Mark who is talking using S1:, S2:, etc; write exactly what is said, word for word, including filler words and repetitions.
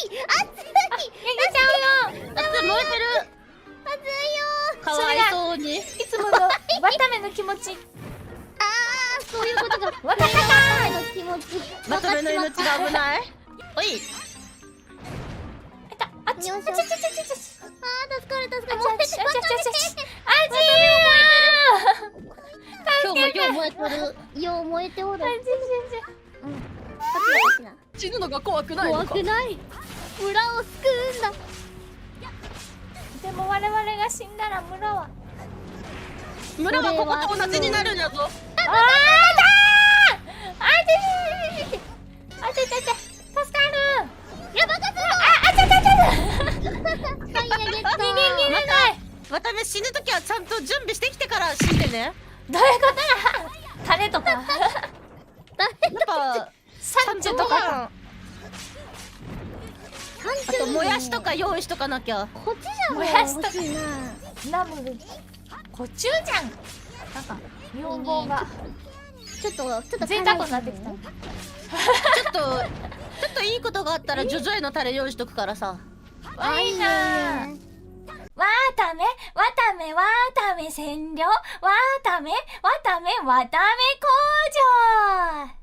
S1: ちゃうよ。
S2: 熱い、燃えてる。
S3: 熱いよ。
S2: かわいそうに。
S1: いつものわための気持ち。
S3: ああ、そういうことが。
S1: わかったか
S3: の気持ち。
S2: まとめの命が危ない。おい。
S1: ー。あった。あっち。あっちあっちあっちあっち。
S3: ああ、助かる助かる。
S1: あっちあっちあっちあっちあっち。あ
S2: 今日もよう燃えてる。
S3: よう燃えておる。
S1: っち。
S3: うん。パチパチな。
S2: 死ぬのが怖くないの
S3: 怖
S2: か。
S3: くない。村を救うんだ。
S1: でも我々が死んだら村は。
S2: 村はここと同じになるんやぞ。
S1: あーだー。あーちあちゃちゃちゃ。助かる。
S3: やばかった。
S1: ああちゃちゃちゃ。
S3: ファイヤーゲット。
S1: 逃げ切れない。
S2: わため死ぬときはちゃんと準備してきてから死んでね。
S1: どういうことや。種とか。
S2: やっぱ
S1: サンチュとか。
S2: あともやしとか用意しとかなきゃ。
S3: こっちじゃん。
S1: もやしとか
S3: 欲しいな。
S1: ナムル。コチュウじゃん。なんか日本語が
S3: ちょっとちょっと
S1: 贅沢になってきた。
S2: ちょっとちょっといいことがあったらジョジョへのタレ用意しとくからさ。
S1: わいいなー。わーため、わため、わーため占領、わーため、わため、わため工場。